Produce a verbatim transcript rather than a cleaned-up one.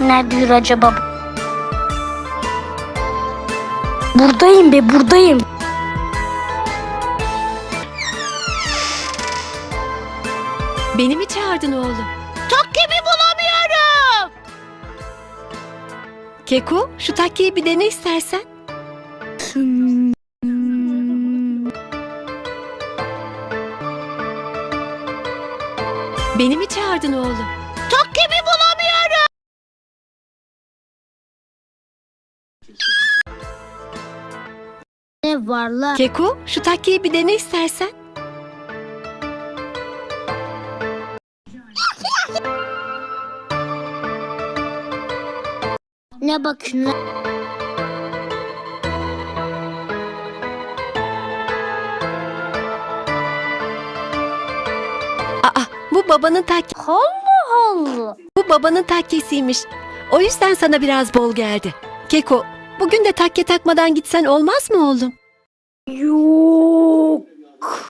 Nerededir acaba? Buradayım be, buradayım. Beni mi çağırdın oğlum? Takkemi bulamıyorum. Keko, şu takkeyi bir dene istersen. Beni mi çağırdın oğlum? Takkemi bulamıyorum. Ne var lan? Keko, şu takkeyi bir dene istersen. Ne bakıyorsun? Aa, bu babanın takke, Allah Allah. bu babanın takkesiymiş. O yüzden sana biraz bol geldi. Keko, bugün de takke takmadan gitsen olmaz mı oğlum? Yok.